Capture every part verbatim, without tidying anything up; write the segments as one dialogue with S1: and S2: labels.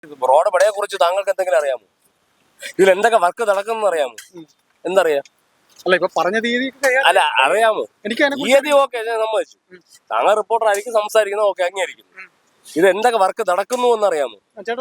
S1: Road പണിയെ കുറിച്ച് താങ്കൾക്ക് എന്തെങ്കിലും അറിയാമോ? ഇതിൽ എന്തൊക്കെ വർക്ക് നടക്കുന്നു അറിയാമോ? എന്തറിയാം?
S2: അല്ല ഇപ്പൊ പറഞ്ഞ തീയതി
S1: അല്ല അറിയാമോ?
S2: എനിക്ക്
S1: തീയതി ഓക്കെ സമ്മതിച്ചു. താങ്കൾ റിപ്പോർട്ടർ ആയിരിക്കും സംസാരിക്കുന്നത്, ഓക്കെ അംഗീകരിക്കുന്നു. ഇത് എന്തൊക്കെ വർക്ക് നടക്കുന്നു എന്നറിയാമോ?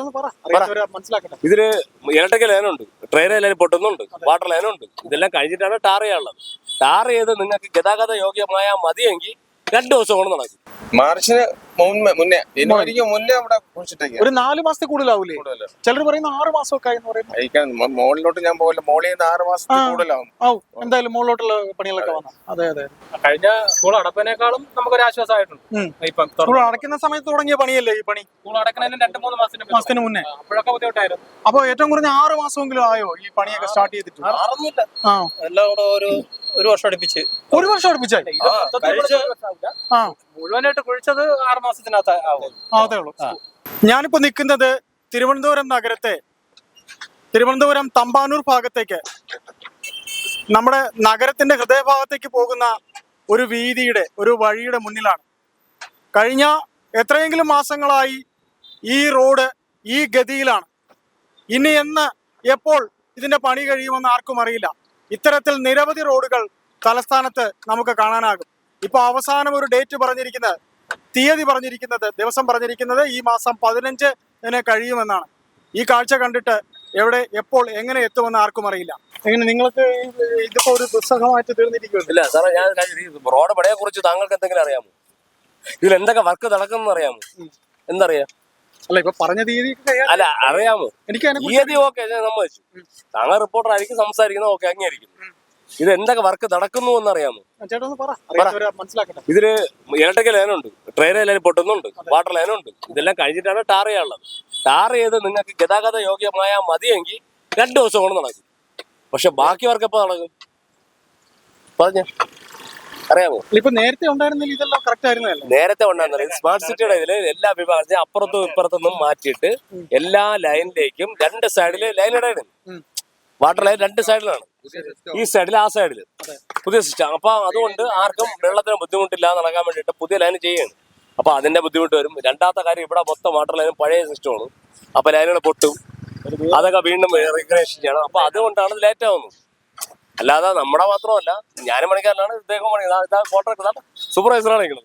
S1: ഇതില് ഇലക്ട്രിക്കൽ ലൈനുണ്ട്, ട്രെയിൻ ലൈൻ പൊട്ടുന്നുണ്ട്, വാട്ടർ ലൈനുണ്ട്. ഇതെല്ലാം കഴിഞ്ഞിട്ടാണ് ടാർ ചെയ്യാനുള്ളത്. ടാർ ചെയ്ത് നിങ്ങൾക്ക് ഗതാഗത യോഗ്യമായ മതിയെങ്കിൽ രണ്ടു ദിവസം കൊണ്ട് നടക്കും.
S3: മാർച്ചിന് മുന്നേ ജനുവരിക്ക് മുന്നേ അവിടെ
S2: ഒരു നാല് മാസത്തെ കൂടുതലാവൂലേ? ചിലർ പറയുന്ന ആറ് മാസമൊക്കെ
S3: മോളിലോട്ട് ഞാൻ പോകില്ല, മോളിൽ നിന്ന് ആറ് മാസത്തിൽ കൂടുതലാവും.
S2: എന്തായാലും മുകളിലോട്ടുള്ള പണികളൊക്കെ വന്നു. അതെ അതെ,
S4: കഴിഞ്ഞ സ്കൂൾ അടപ്പിനേക്കാളും നമുക്കൊരു ആശ്വാസമായിട്ടുണ്ട്.
S2: സ്കൂൾ അടയ്ക്കുന്ന സമയത്ത് തുടങ്ങിയ പണിയല്ലേ ഈ പണി?
S4: സ്കൂൾ അടക്കുന്നതിന് രണ്ട് മൂന്ന് മാസത്തിന്
S2: മാസത്തിന് മുന്നേ
S4: അപ്പോഴൊക്കെ ബുദ്ധിമുട്ടായിരുന്നു.
S2: അപ്പൊ ഏറ്റവും കുറഞ്ഞ ആറ് മാസമെങ്കിലും ആയോ ഈ പണിയൊക്കെ സ്റ്റാർട്ട് ചെയ്തിട്ട്?
S4: ആ എല്ലാം കൂടെ ഒരു ഒരു വർഷം അടുപ്പിച്ച്
S2: ഒരു വർഷം അടുപ്പിച്ചായി
S4: മുഴുവനായിട്ട് കുഴിച്ചത് ആറ് മാസത്തിനകത്ത്
S2: അതേ ഉള്ളൂ. ഞാനിപ്പോ നിൽക്കുന്നത് തിരുവനന്തപുരം നഗരത്തെ തിരുവനന്തപുരം തമ്പാനൂർ ഭാഗത്തേക്ക്, നമ്മുടെ നഗരത്തിന്റെ ഹൃദയഭാഗത്തേക്ക് പോകുന്ന ഒരു വീതിയുടെ ഒരു വഴിയുടെ മുന്നിലാണ്. കഴിഞ്ഞ എത്രയെങ്കിലും മാസങ്ങളായി ഈ റോഡ് ഈ ഗതിയിലാണ്. ഇനി എന്ന് എപ്പോൾ ഇതിന്റെ പണി കഴിയുമെന്ന് ആർക്കും അറിയില്ല. ഇത്തരത്തിൽ നിരവധി റോഡുകൾ തലസ്ഥാനത്ത് നമുക്ക് കാണാനാകും. ഇപ്പൊ അവസാനം ഒരു ഡേറ്റ് പറഞ്ഞിരിക്കുന്നത്, തീയതി പറഞ്ഞിരിക്കുന്നത്, ദിവസം പറഞ്ഞിരിക്കുന്നത് ഈ മാസം പതിനഞ്ചിന് കഴിയുമെന്നാണ്. ഈ കാഴ്ച കണ്ടിട്ട് എവിടെ എപ്പോൾ എങ്ങനെ എത്തുമെന്ന് ആർക്കും അറിയില്ല. എങ്ങനെ നിങ്ങൾക്ക് ഇതിപ്പോ ഒരു ദുസ്സഹമായിട്ട് തീർന്നിരിക്കുമല്ലോ?
S1: ഇല്ല സാറേ, ഞാൻ റോഡ് പണിയെ കുറിച്ച് താങ്കൾക്ക് എന്തെങ്കിലും അറിയാമോ? ഇതിൽ എന്തൊക്കെ വർക്ക് നടക്കുന്നു അറിയാമോ? എന്തറിയാം?
S2: അല്ല ഇപ്പൊ പറഞ്ഞ തീയതി
S1: അല്ല അറിയാമോ?
S2: എനിക്ക്
S1: തീയതി ഓക്കെ സമ്മതിച്ചു. താങ്കൾ റിപ്പോർട്ടർ ആയിരിക്കും സംസാരിക്കുന്നത്, ഓക്കെ അംഗീകരിക്കുന്നു. ഇത് എന്തൊക്കെ വർക്ക് നടക്കുന്നു എന്നറിയാമോ? ഇതില് ഇലക്ട്രിക്കൽ ലൈനുണ്ട്, ട്രെയിൻ ലൈൻ പൊട്ടുന്നുണ്ട്, വാട്ടർ ലൈനുണ്ട്. ഇതെല്ലാം കഴിഞ്ഞിട്ടാണ് ടാർ ചെയ്യാനുള്ളത്. ടാർ ചെയ്ത് നിങ്ങൾക്ക് ഗതാഗത യോഗ്യമായ മതിയെങ്കിൽ രണ്ടു ദിവസം കൊണ്ട് നടക്കും. പക്ഷെ ബാക്കി വർക്ക് എപ്പോ നടക്കും പറഞ്ഞ അറിയാമോ?
S2: ഇപ്പൊ നേരത്തെ ഉണ്ടായിരുന്നില്ല, ഇതെല്ലാം കറക്റ്റ് ആയിരുന്നല്ലോ.
S1: നേരത്തെ ഉണ്ടായിരുന്നില്ല. സ്മാർട്ട് സിറ്റിയുടെ ഇതില് എല്ലാ വിഭാഗത്തിനും അപ്പുറത്തും ഇപ്പുറത്തുനിന്നും മാറ്റിയിട്ട് എല്ലാ ലൈനിലേക്കും രണ്ട് സൈഡില് ലൈൻ ഇടയാണ്. വാട്ടർ ലൈൻ രണ്ട് സൈഡിലാണ്, ഈ സൈഡിൽ ആ സൈഡിൽ പുതിയ സിസ്റ്റം. അപ്പൊ അതുകൊണ്ട് ആർക്കും വെള്ളത്തിന് ബുദ്ധിമുട്ടില്ലാതെ നടക്കാൻ വേണ്ടിയിട്ട് പുതിയ ലൈൻ ചെയ്യാണ്. അപ്പൊ അതിന്റെ ബുദ്ധിമുട്ട് വരും. രണ്ടാമത്തെ കാര്യം, ഇവിടെ മൊത്തം വാട്ടർ ലൈനും പഴയ സിസ്റ്റമാണ്. അപ്പൊ ലൈനുകൾ പൊട്ടും, അതൊക്കെ വീണ്ടും റീക്രിയേഷൻ ചെയ്യണം. അപ്പൊ അതുകൊണ്ടാണ് ലേറ്റ് ആവുന്നത്. അല്ലാതെ നമ്മുടെ മാത്രമല്ല, ഞാനും പണിക്കാരനാണ്, ഇദ്ദേഹം പണി കോൺട്രാക്ടർ സൂപ്പർവൈസറാണ് നിൽക്കുന്നത്.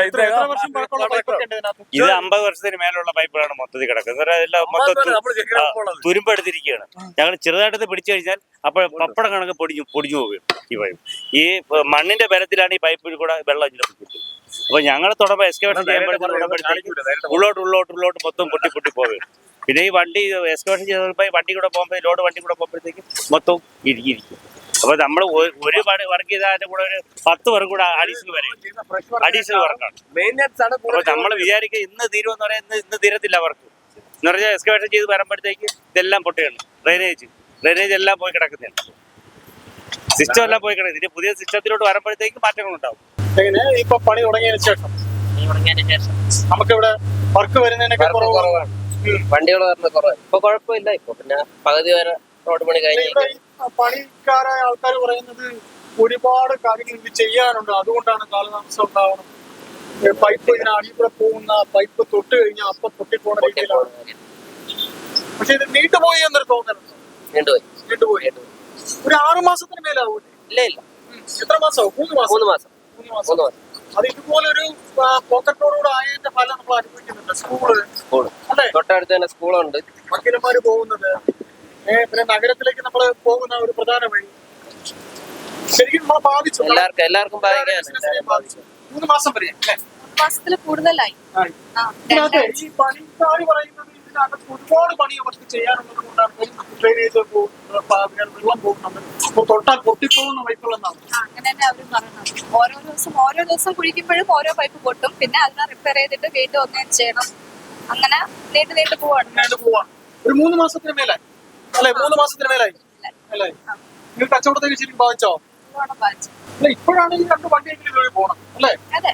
S5: ഇത് അമ്പത് വർഷത്തിന് മേലുള്ള പൈപ്പുകളാണ് മൊത്തത്തിൽ കിടക്കുന്നത്. എല്ലാം മൊത്തം തുരുമ്പെടുത്തിരിക്കുകയാണ്. ഞങ്ങൾ ചെറുതായിട്ട് പിടിച്ചു കഴിഞ്ഞാൽ അപ്പോൾ പപ്പടം കണക്ക് പൊടിഞ്ഞു പൊടിഞ്ഞു പോകും ഈ പൈപ്പ്. ഈ മണ്ണിന്റെ ബലത്തിലാണ് ഈ പൈപ്പിൽ കൂടെ വെള്ളം ഇതിലെടുക്കുന്നത്. അപ്പൊ ഞങ്ങൾ തുടങ്ങുമ്പോൾ എക്സ്കവേഷൻ ചെയ്യുമ്പോഴത്തേക്ക് ഉള്ളോട്ട് ഉള്ളോട്ട് ഉള്ളോട്ട് മൊത്തം പൊട്ടി പൊട്ടി പോകും. പിന്നെ ഈ വണ്ടി എക്സ്കവേഷൻ ചെയ്തപ്പോൾ വണ്ടി കൂടെ പോകുമ്പോൾ ലോഡ് വണ്ടി കൂടെ പോകുമ്പോഴത്തേക്ക് മൊത്തം ഇരിക്കും. അപ്പൊ നമ്മൾ ഒരു വർക്ക് ചെയ്തതിന്റെ കൂടെ ഒരു പത്ത് വർക്ക് കൂടെ അഡീഷണൽ വരും. അഡീഷണൽ വർക്കാണ്. അപ്പൊ നമ്മൾ വിചാരിക്കുക ഇന്ന് തീരുമെന്ന് പറയാൻ ഇന്ന് ഇന്ന് തീരത്തില്ല വർക്ക് എന്ന് പറഞ്ഞാൽ എക്സ്കവേഷൻ ചെയ്ത് വരുമ്പോഴത്തേക്ക് ഇതെല്ലാം പൊട്ടുകയാണ്. ഡ്രെയിനേജ് ഡ്രെയിനേജ് എല്ലാം പോയി കിടക്കുന്നതാണ്. സിസ്റ്റം എല്ലാം പോയി കിടക്കുന്നത്. ഇനി പുതിയ സിസ്റ്റത്തിലോട്ട് വരുമ്പോഴത്തേക്ക് മാറ്റങ്ങൾ ഉണ്ടാവും.
S2: എങ്ങനെ ഇപ്പൊ പണി തുടങ്ങിയതിനു ശേഷം നമുക്കിവിടെ വർക്ക് വരുന്നതിനൊക്കെ കുറവാണ്,
S6: വണ്ടികൾ വരുന്നത് കുറവാണ്. ഇപ്പൊ കുഴപ്പമില്ല. ഇപ്പൊ പിന്നെ പകുതി വരെ റോഡ് പണി കഴിഞ്ഞു.
S2: പണിക്കാരായ ആൾക്കാർ പറയുന്നത് ഒരുപാട് കാര്യങ്ങൾ ഇത് ചെയ്യാനുണ്ട്, അതുകൊണ്ടാണ് കാലതാമസം ഉണ്ടാവണം. പൈപ്പ് ഇതിന് അടിയിൽ കൂടെ പോകുന്ന പൈപ്പ് തൊട്ട് കഴിഞ്ഞാൽ അപ്പൊ പൊട്ടിപ്പോണ രീതിയിലാണ്. പക്ഷെ ഇത് നീണ്ടുപോയി എന്നൊരു തോന്നലുണ്ട്.
S6: നീണ്ടുപോയി
S2: നീണ്ടുപോയി ഒരു ആറു മാസത്തിന് മേലാവൂലേ?
S6: ഇല്ല ഇല്ല.
S2: എത്ര മാസം? മൂന്ന് മാസം
S6: മൂന്ന് മാസം
S2: മൂന്ന് മാസം അത് ഇതുപോലെ ഒരു പോക്കറ്റ് റോഡൂടെ ആയതിന്റെ ഫലം നമ്മൾ അനുഭവിക്കുന്നുണ്ട്. സ്കൂള്
S6: സ്കൂള്
S2: അല്ലെ,
S6: തൊട്ടടുത്ത് തന്നെ സ്കൂളുണ്ട്.
S2: വക്കീലന്മാര് പോകുന്നത്, പിന്നെ നഗരത്തിലേക്ക് നമ്മൾ പോകുന്ന ഒരു പ്രധാന വഴി ശരിക്കും നമ്മളെ ബാധിച്ചു.
S6: എല്ലാവർക്കും എല്ലാവർക്കും
S2: ബാധിച്ചു. മൂന്ന് മാസം വരെ
S7: മാസത്തിൽ കൂടുതലായി.
S2: ഈ പണിക്കാർ പറയുന്നത് ഇതിനകത്ത് ഒരുപാട് പണി അവർക്ക് ചെയ്യാനുള്ളത് കൊണ്ടാണ് ഡ്രെയിനേജ് വെള്ളം പോകുന്നത്, തൊട്ടാൽ പൊട്ടിപ്പോകുന്ന പൈപ്പുകളെന്നാണ്.
S7: അങ്ങനെ തന്നെ അവരും പറയുന്നത്. ഓരോ ദിവസം ഓരോ ദിവസം കുഴിക്കുമ്പോഴും ഓരോ പൈപ്പ് പൊട്ടും. പിന്നെ അതിനെ റിപ്പയർ ചെയ്തിട്ട് വീണ്ടും ഒന്നും ചെയ്യണം. അങ്ങനെ നീണ്ടു നീണ്ടു പോവാണ്
S2: നീണ്ടു പോവാണ് ഒരു മൂന്ന് മാസത്തിന് മേലായി അല്ലെ? മൂന്ന് മാസത്തിന് മേലായി അല്ലേ? നിങ്ങൾ കച്ചവടത്തേക്ക് ശരിക്കും ബാധിച്ചോ? അല്ല, ഇപ്പോഴാണ് ഈ രണ്ട് വണ്ടിയെങ്കിലും ഇതുവഴി പോകണം അല്ലേ?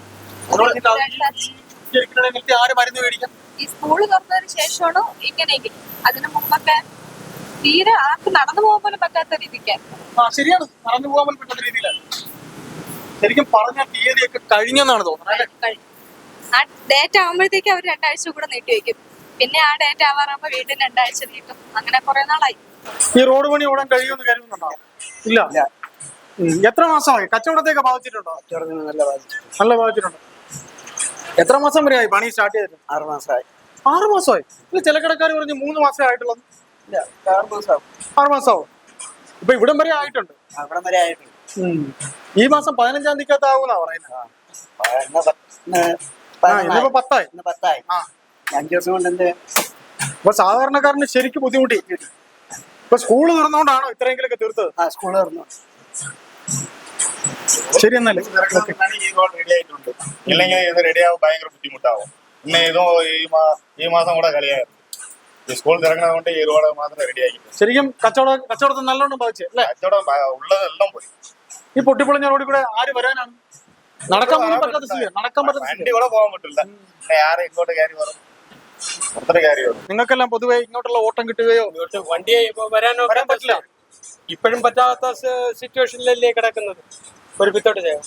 S2: ആര് മരുന്ന് മേടിക്കാം?
S7: ഈ സ്കൂള് തുറന്നതിന് ശേഷമാണ് ഇങ്ങനെയെങ്കിൽ. അതിനു മുമ്പൊക്കെ തീരെ ആർക്ക് നടന്നു പോകാൻ പോലും പറ്റാത്ത രീതിക്ക്.
S2: ആ ശരിയാണ്, നടന്നു പോകാൻ പോലും പറ്റാത്ത രീതിയിലാണ്. ശരിക്കും പറഞ്ഞ തീയതിയൊക്കെ കഴിഞ്ഞെന്നാണ് തോന്നുന്നത്.
S7: ആ ഡേറ്റ് ആകുമ്പോഴത്തേക്ക് അവർ രണ്ടാഴ്ച കൂടെ നീട്ടി വെക്കും. പിന്നെ ആ ഡേറ്റ് ആവാറാകുമ്പോ വീണ്ടും രണ്ടാഴ്ച നീട്ടും. അങ്ങനെ കുറെ നാളായി.
S2: ഈ റോഡ് പണി ഓടാൻ കഴിയുമെന്ന് കരുതുന്നുണ്ടോ? ഇല്ല. ഉം. എത്ര മാസമായി? കച്ചവടത്തെയൊക്കെ ബാധിച്ചിട്ടുണ്ടോ? നല്ല ബാധിച്ചിട്ടുണ്ട്. എത്ര മാസം വരെയായി പണി സ്റ്റാർട്ട് ചെയ്തിട്ട്?
S4: ആറ് മാസമായി.
S2: ആറ് മാസമായി. ഇത് ചില കടക്കാർ പറഞ്ഞു മൂന്ന് മാസമേ ആയിട്ടുള്ളൂ.
S4: ആറ് മാസമാവും.
S2: ആറ് മാസമാവും. ഇപ്പൊ ഇവിടം വരെ ആയിട്ടുണ്ട്.
S4: അവിടം വരെ ആയിട്ടുണ്ട്.
S2: ഈ മാസം പതിനഞ്ചാം തീയതി ആവുന്നാ പറയുന്നത്. ഇന്നിപ്പോ പത്തായി.
S4: പത്തായി.
S2: ആ,
S4: അഞ്ചു ദിവസം കൊണ്ട് എന്ത്?
S2: അപ്പൊ സാധാരണക്കാരന് ശരിക്കും ബുദ്ധിമുട്ടി. ഇപ്പൊ സ്കൂള് തുറന്നുകൊണ്ടാണോ ഇത്രയെങ്കിലൊക്കെ തീർത്തത്?
S4: ആ സ്കൂൾ തുറന്നു.
S2: ശരി എന്നല്ലേ?
S3: റെഡി ആയിട്ടുണ്ട്. ഇല്ലെങ്കിൽ ഇത് റെഡിയാവും ഭയങ്കര ബുദ്ധിമുട്ടാവും. പിന്നെ ഇതോ ഈ മാ- ഈ മാസം കൂടെ കളിയായിരുന്നു. ഈ സ്കൂൾ തിരക്കണത് കൊണ്ട് ഈ റോഡ് മാത്രം റെഡി ആക്കി.
S2: ശരിക്കും കച്ചവട കച്ചവടത്തിൽ നല്ലോണം ബാധിച്ചു അല്ലേ?
S3: കച്ചവടം ഭ- ഉള്ളതെല്ലാം പോയി.
S2: ഈ പൊട്ടിപ്പൊളിഞ്ഞ റോഡിൽ കൂടെ ആര് വരാനാണ്? നടക്കാൻ പോലും പറ്റാത്ത സ്ഥിതി. നടക്കാൻ പറ്റാത്ത സ്ഥിതി.
S3: വണ്ടി കൂടെ പോകാൻ പറ്റില്ല. പിന്നെ ആരെ ഇങ്ങോട്ട് കയറി വരും, അത്ര കയറി വരും.
S2: നിങ്ങൾക്കെല്ലാം പൊതുവെ ഇങ്ങോട്ടുള്ള ഓട്ടം കിട്ടുകയോ?
S4: വണ്ടി വരാനോ
S2: വരാൻ പറ്റില്ല.
S4: ഇപ്പോഴും പറ്റാത്ത സിറ്റുവേഷനിലല്ലേ കിടക്കുന്നത്. ഒരു പിത്തോട്ട് ചെയ്യാം.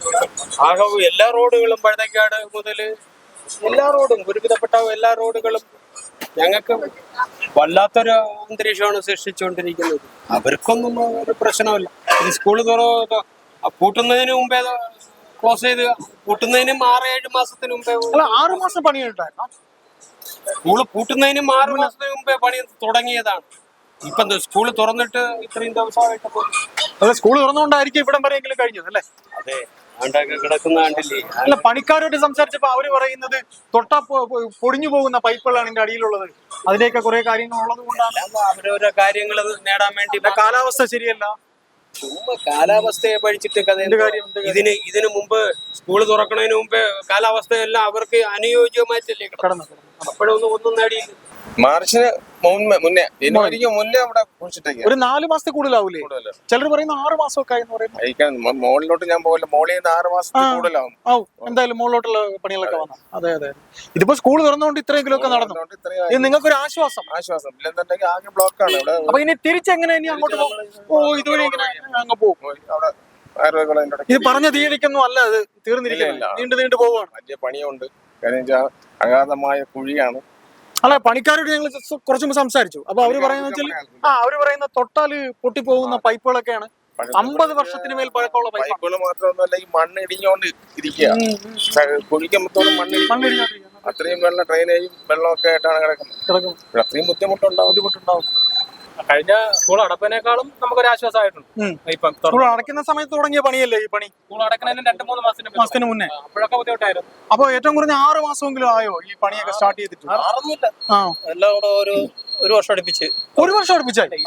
S4: ആകെ എല്ലാ റോഡുകളും പഴതക്കാട് മുതൽ എല്ലാ റോഡും ഒരുവിധപ്പെട്ട എല്ലാ റോഡുകളും ഞങ്ങൾക്ക് വല്ലാത്തൊരു അന്തരീക്ഷമാണ് സൃഷ്ടിച്ചുകൊണ്ടിരിക്കുന്നത്. അവർക്കൊന്നും ഒരു പ്രശ്നമില്ല. ഈ സ്കൂള് തുറ പൂട്ടുന്നതിന് മുമ്പേ ക്ലോസ് ചെയ്ത് പൂട്ടുന്നതിനും ആറ് ഏഴ് മാസത്തിന് മുമ്പേ
S2: അല്ല, ആറു മാസം പണിയുണ്ടായിരുന്നു.
S4: സ്കൂള് പൂട്ടുന്നതിനും ആറ് മാസത്തിന് മുമ്പേ പണി തുടങ്ങിയതാണ്. ഇപ്പൊ സ്കൂള് തുറന്നിട്ട് ഇത്രയും ദിവസമായിട്ട്
S2: അതെ, സ്കൂൾ തുറന്നുകൊണ്ടായിരിക്കും ഇവിടം വരെയെങ്കിലും കഴിഞ്ഞത് അല്ലേ?
S4: അതെ ആണ്ടൊക്കെ കിടക്കുന്ന കണ്ടില്ലേ.
S2: അല്ല, പണിക്കാരോട്ട് സംസാരിച്ചപ്പോ അവര് പറയുന്നത് തൊട്ടാ പൊ- പൊ- പൊടിഞ്ഞു പോകുന്ന പൈപ്പുകളാണ് ഇതിന്റെ അടിയിലുള്ളത്. അതിലേക്ക് കുറെ കാര്യങ്ങൾ ഉള്ളത് കൊണ്ടാണ്.
S4: അവരോരോ കാര്യങ്ങൾ നേടാൻ വേണ്ടി
S2: പിന്നെ കാലാവസ്ഥ ശരിയല്ല.
S4: ചുമ്മാ കാലാവസ്ഥയെ പഠിച്ചിട്ട് കഥ
S2: എന്ത് കാര്യം, എന്ത് കാര്യം?
S4: ഇതിന് ഇതിനു മുമ്പ് സ്കൂള് തുറക്കണതിന് മുമ്പേ കാലാവസ്ഥയെല്ലാം അവർക്ക് അനുയോജ്യമായിട്ടല്ലേ
S2: കടന്നു
S4: അപ്പോഴൊന്നും ഒന്നും നേടിയില്ല.
S3: മാർച്ചിന് മുന്നേ മുന്നേ ജനുവരിക്ക് മുന്നേ അവിടെ കുഴിച്ചിട്ടേക്ക്
S2: ഒരു നാല് മാസത്തിൽ കൂടുതലാവൂലേ? ചിലർ പറയുന്ന ആറ് മാസമൊക്കെ ആയെന്ന് പറയുന്നു.
S3: അയക്കാൻ മുകളിലോട്ട് ഞാൻ പോകില്ല. മോളിൽ നിന്ന് ആറ് മാസത്തിൽ
S2: ആ.
S3: കൂടുതലാവും.
S2: ആവും എന്തായാലും മുകളിലോട്ടുള്ള പണികളൊക്കെ വന്നു. അതെ അതെ. ഇതിപ്പോ സ്കൂൾ തുറന്നുകൊണ്ട് ഇത്രയെങ്കിലും ഒക്കെ നടന്നു.
S3: അതുകൊണ്ട് ഇത്രയും
S2: ഇത് നിങ്ങൾക്കൊരു ആശ്വാസം.
S3: ആശ്വാസം. ഇല്ലെന്നുണ്ടെങ്കിൽ ആകെ ബ്ലോക്കാണ് ഇവിടെ.
S2: അപ്പൊ ഇനി തിരിച്ചെങ്ങനെ ഇനി അങ്ങോട്ട് പോകും? ഓ, ഇതുവഴി ഇങ്ങനെ അങ്ങ് പോകും.
S3: അവിടെ ആയുർവേദ
S2: ഇത് പറഞ്ഞ തീയതിക്കൊന്നും അല്ല, അത് തീർന്നിരിക്കില്ല.
S3: ഇല്ല, ഇല്ല.
S2: നീണ്ടു നീണ്ടു പോവുകയാണ്.
S3: വലിയ പണിയുണ്ട്. കാര്യം വെച്ചാൽ അഗാധമായ കുഴിയാണ്.
S2: അല്ല, പണിക്കാരോട് ഞങ്ങൾ കുറച്ചു മുമ്പ് സംസാരിച്ചു. അപ്പൊ അവര് പറയുന്ന വെച്ചാൽ ആ അവര് പറയുന്ന തൊട്ടാല് പൊട്ടിപ്പോകുന്ന പൈപ്പുകളൊക്കെയാണ് അമ്പത് വർഷത്തിന് മേൽ പഴക്കമുള്ള പൈപ്പ്.
S3: പൈപ്പുകൾ മാത്രമൊന്നുമല്ല, ഈ മണ്ണ് ഇടിഞ്ഞോണ്ട് ഇരിക്കുക. കുഴിക്കുമ്പോഴത്തോളം മണ്ണ് ഇടിഞ്ഞ്
S2: മണ്ണിടിഞ്ഞോണ്ടിരിക്കുന്നു.
S3: അത്രയും വെള്ളം ഡ്രെയിനേജും വെള്ളമൊക്കെ ആയിട്ടാണ് കിടക്കുന്നത്.
S2: കിടക്കും.
S3: ഇവിടെ അത്രയും ബുദ്ധിമുട്ടുണ്ടാവും.
S2: ബുദ്ധിമുട്ടുണ്ടാവും.
S4: കഴിഞ്ഞ സ്കൂൾ അടപ്പിനേക്കാളും നമുക്കൊരു ആശ്വാസമായിട്ടുണ്ട്.
S2: ഉം.
S4: ഇപ്പം
S2: സ്കൂൾ അടയ്ക്കുന്ന സമയത്ത് തുടങ്ങിയ പണിയല്ലേ ഈ പണി?
S4: സ്കൂൾ അടക്കുന്നതിന് രണ്ട് മൂന്ന് മാസത്തിന്
S2: മാസത്തിന് മുന്നേ.
S4: അപ്പോഴൊക്കെ ബുദ്ധിമുട്ടായിരുന്നു.
S2: അപ്പൊ ഏറ്റവും കുറഞ്ഞ ആറ് മാസമെങ്കിലും ആയോ ഈ പണിയൊക്കെ സ്റ്റാർട്ട് ചെയ്തിട്ട്?
S4: മാറുന്നില്ല.
S2: ആ,
S4: എല്ലാം കൂടെ ഒരു ഒരു വർഷം അടുപ്പിച്ച്
S2: ഒരു വർഷം അടുപ്പിച്ചായി.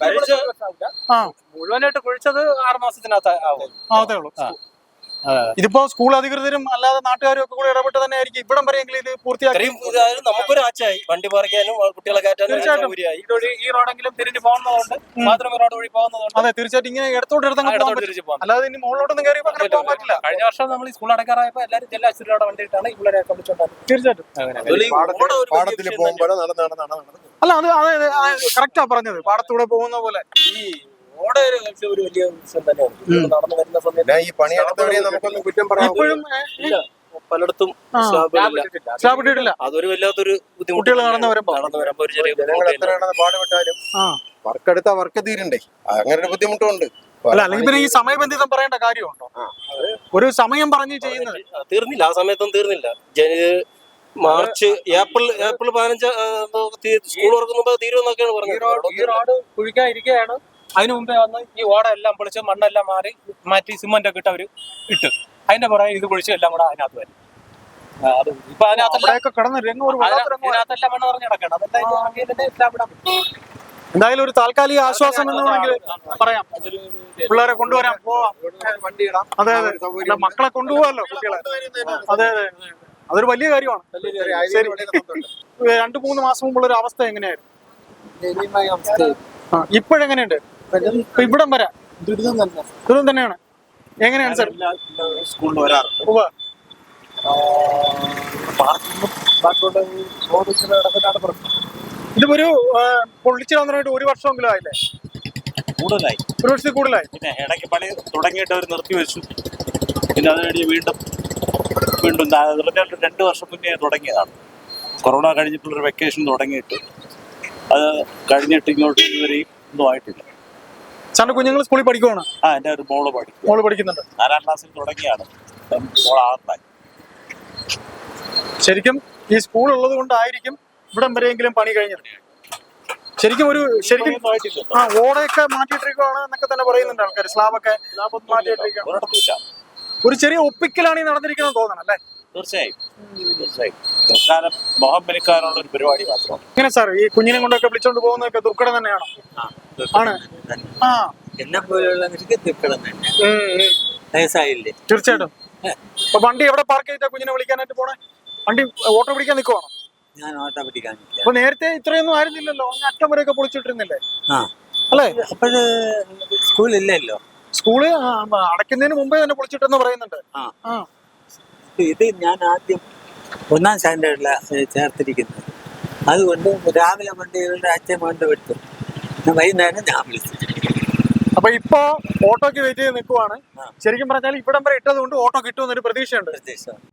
S2: ആ,
S4: മുഴുവനായിട്ട് കുഴിച്ചത് ആറ് മാസത്തിനകത്ത് ആവും.
S2: അതേ ഉള്ളൂ. ഇതിപ്പോ സ്കൂൾ അധികൃതരും അല്ലാതെ നാട്ടുകാരും ഒക്കെ കൂടെ ഇടപെട്ട് തന്നെ ആയിരിക്കും ഇവിടം വരെയെങ്കിലും ഇത് പൂർത്തിയാക്കി.
S4: ഇത്രയും ഇതായാലും നമുക്കൊരു ആച്ചായി വണ്ടി പറിക്കാനും കുട്ടികളെ കയറ്റാനും
S2: തീർച്ചയായിട്ടും.
S4: സൗകര്യമായി. ഇതുവഴി ഈ റോഡെങ്കിലും തിരിഞ്ഞു പോകുന്നതുകൊണ്ട് മാത്രമേ റോഡ് വഴി പോകുന്നതുകൊണ്ട്
S2: അതെ, തീർച്ചയായിട്ടും ഇങ്ങനെ ഇടത്തോട്ട് എടുത്തങ്ങ് പോകാൻ
S4: ഇടത്തോട്ട്
S2: പറ്റും.
S4: തിരിച്ചു പോകാം.
S2: അല്ലാതെ ഇനി മുകളിലോട്ടൊന്നും കയറി അങ്ങനെ പോകാൻ പറ്റില്ല.
S4: കഴിഞ്ഞ വർഷം നമ്മൾ ഈ സ്കൂൾ അടക്കാറായപ്പോ എല്ലാവരും ജില്ലാ ആശുപത്രിയുടെ വണ്ടിയിട്ടാണ് ഇവിടെ വിളിച്ചോണ്ടായിരുന്നു.
S2: തീർച്ചയായിട്ടും.
S3: പാടത്തിൽ പോകുമ്പോൾ നടന്ന് നടന്ന് നടന്ന്
S2: അല്ല, അത് അതെ കറക്റ്റാ പറഞ്ഞത്. പാടത്തൂടെ പോകുന്ന പോലെ.
S4: ഈ റോഡ് ഒരു ഒരു വലിയ വിഷയം തന്നെയാണ്. ഇവിടെ നടന്നു വരുന്ന സമയത്ത്
S3: പിന്നെ ഈ പണിയെടുത്തവരെ നമുക്കൊന്നും കുറ്റം പറയാൻ
S2: ഇപ്പോഴും
S4: ഇല്ല, പലയിടത്തും
S2: ആ.
S4: സ്ലാബ് ഇല്ല.
S2: സ്ലാബ് ഇട്ടിട്ടില്ല.
S4: അതൊരു വല്ലാത്തൊരു ബുദ്ധിമുട്ട്.
S2: കുട്ടികൾ നടന്നു വരുമ്പോ
S4: നടന്നു വരുമ്പോ ഒരു ചെറിയ
S3: ജനങ്ങൾ
S4: ബുദ്ധിമുട്ട്.
S3: എത്രയാണെന്ന് പാടുപെട്ടാലും
S2: ആ,
S3: വർക്ക് എടുത്താൽ വർക്ക് തീരണ്ടേ? അങ്ങനെ ഒരു ബുദ്ധിമുട്ടുണ്ട്.
S2: അല്ല, അല്ലെങ്കിൽ പിന്നെ ഈ സമയബന്ധിതം പറയേണ്ട കാര്യമുണ്ടോ? ഒരു സമയം പറഞ്ഞ് ചെയ്യുന്നത്.
S4: തീർന്നില്ല, ആ സമയത്തൊന്നും തീർന്നില്ല. ജനുവരി മാർച്ച് ഏപ്രിൽ ഏപ്രിൽ പതിനഞ്ച് സ്കൂൾ തുറക്കുമ്പോ തീരുമെന്നൊക്കെയാണ് പറഞ്ഞത്. ഈ റോഡ് കുഴിക്കാൻ ഇരിക്കുകയാണ്. അതിനു മുമ്പേ വന്ന് ഈ ഓട എല്ലാം പൊളിച്ച് മണ്ണെല്ലാം മാറി മാറ്റി സിമന്റ് ഒക്കെ ഇട്ട് അവര് ഇട്ട് അതിന്റെ പുറകെ ഇത് കുഴിച്ച് എല്ലാം കൂടെ അതിനകത്ത് വരും. അത് ഇപ്പൊ അതിനകത്തെല്ലാം
S2: അവിടെയൊക്കെ കിടന്ന് രംഗം ഒരു വല്ലാത്ത രംഗമാണ്.
S4: അതിനകത്തെല്ലാം മണ്ണ് നിറഞ്ഞു കിടക്കണം. അതെല്ലാം ഇത് ഇറങ്ങിയതിന്റെ എല്ലാം ഇടാൻ പറ്റും.
S2: എന്തായാലും ഒരു താൽക്കാലിക ആശ്വാസം എന്ന് വേണമെങ്കിൽ പറയാം. പിള്ളേരെ കൊണ്ടുവരാം, പോവാം.
S3: വണ്ടി ഇടാം.
S2: അതെ അതെ. അല്ല, മക്കളെ കൊണ്ടുപോകാമല്ലോ കുട്ടികളെ. അതെ അതെ. അതൊരു വലിയ കാര്യമാണ്. ശരി. രണ്ടു മൂന്ന് മാസം മുമ്പുള്ള ഒരു അവസ്ഥ എങ്ങനെയായിരുന്നു? ആ, ഇപ്പോഴെങ്ങനെയുണ്ട്? ഇപ്പൊ ഇവിടം വരാം ദുരിതം തന്നെ. ദുരിതം തന്നെയാണ്. എങ്ങനെയാണ് സാർ?
S3: സ്കൂളിൽ വരാറ്
S2: ഉവ്വ്. ഇതിപ്പോ ഒരു പൊള്ളിച്ചു തന്നിട്ട് ഒരു വർഷമെങ്കിലും ആയില്ലേ?
S5: കൂടുതലായി.
S2: ഒരു വർഷത്തിൽ കൂടുതലായി.
S5: പിന്നെ ഇടയ്ക്ക് പണി തുടങ്ങിയിട്ട് അവർ നിർത്തി വെച്ചു. പിന്നെ അത് കഴിഞ്ഞ് വീണ്ടും വീണ്ടും രണ്ട് വർഷം മുന്നേ തുടങ്ങിയതാണ്.
S8: കൊറോണ കഴിഞ്ഞിട്ടുള്ളൊരു വെക്കേഷൻ തുടങ്ങിയിട്ട് അത് കഴിഞ്ഞിട്ട് ഇങ്ങോട്ട് ഇതുവരെയും ഒന്നും ആയിട്ടില്ല.
S2: സാറിന്റെ കുഞ്ഞുങ്ങൾ സ്കൂളിൽ പഠിക്കുവാണ്?
S8: ആ എൻ്റെ ഒരു മോള് പഠിക്കും,
S2: മോള് പഠിക്കുന്നുണ്ട്.
S8: നാലാം ക്ലാസ്സിൽ തുടങ്ങിയാണ്, മോൾ ആറിലായി.
S2: ശരിക്കും ഈ സ്കൂൾ ഉള്ളത് കൊണ്ടായിരിക്കും ഇവിടം വരെയെങ്കിലും പണി കഴിഞ്ഞത്. ശരിക്കും ഒരു ശരിക്കും ആ ഓടയൊക്കെ മാറ്റിയിട്ടിരിക്കുകയാണ് എന്നൊക്കെ തന്നെ പറയുന്നുണ്ട് ആൾക്കാർ. സ്ലാബൊക്കെ മാറ്റിയിട്ടിരിക്കുകയാണ്.
S8: ഒരിടത്തുമില്ല.
S2: ഒരു ചെറിയ ഒപ്പിക്കലാണ് ഈ നടന്നിരിക്കുന്നത് തോന്നണം അല്ലേ?
S8: തീർച്ചയായും തീർച്ചയായും തൽക്കാലം മുഖം മെനുക്കാനുള്ള ഒരു പരിപാടി മാത്രമാണ്.
S2: എങ്ങനെ സാർ ഈ കുഞ്ഞിനെ കൊണ്ടൊക്കെ വിളിച്ചോണ്ട് പോകുന്നതൊക്കെ ദുർഘടം തന്നെയാണോ? ആണ്. ആ
S9: എന്നെ പോലെയുള്ള ദുഃഖം തന്നെ.
S2: ഉം, ഉം.
S9: വയസ്സായില്ലേ?
S2: തീർച്ചയായിട്ടും. അപ്പൊ വണ്ടി എവിടെ പാർക്ക് ചെയ്തിട്ടാ കുഞ്ഞിനെ വിളിക്കാനായിട്ട് പോണേ? വണ്ടി ഓട്ടോ പിടിക്കാൻ നിൽക്കുവാണോ?
S9: ഞാൻ ഓട്ടോ പിടിക്കാനില്ല.
S2: അപ്പൊ നേരത്തെ ഇത്രയൊന്നും ആയിരുന്നില്ലല്ലോ, അങ്ങ് അറ്റം വരെയൊക്കെ പൊളിച്ചിട്ടിരുന്നില്ലേ?
S9: ആ
S2: അല്ലേ?
S9: അപ്പോഴ് സ്കൂളില്ലല്ലോ.
S2: സ്കൂള് ആ, അടയ്ക്കുന്നതിന് മുമ്പേ തന്നെ പൊളിച്ചിട്ടെന്ന് പറയുന്നുണ്ട്.
S9: ആ
S2: ആ
S9: ഇത് ഞാൻ ആദ്യം ഒന്നാം സ്റ്റാൻഡേർഡിലാണ് ചേർത്തിരിക്കുന്നത്. അതുകൊണ്ട് രാവിലെ വണ്ടികളുടെ അച്ഛൻ കൊണ്ട് വിട്ടു, വൈകുന്നേരം ഞാൻ വിളിച്ചു.
S2: അപ്പൊ ഇപ്പൊ ഓട്ടോക്ക് വെയിറ്റ് ചെയ്ത് നിൽക്കുവാണ്.
S9: ആ.
S2: ശരിക്കും പറഞ്ഞാൽ ഇവിടം വരെ ഇട്ടത് കൊണ്ട് ഓട്ടോ കിട്ടുമെന്നൊരു പ്രതീക്ഷയുണ്ട്.
S9: പ്രതീക്ഷ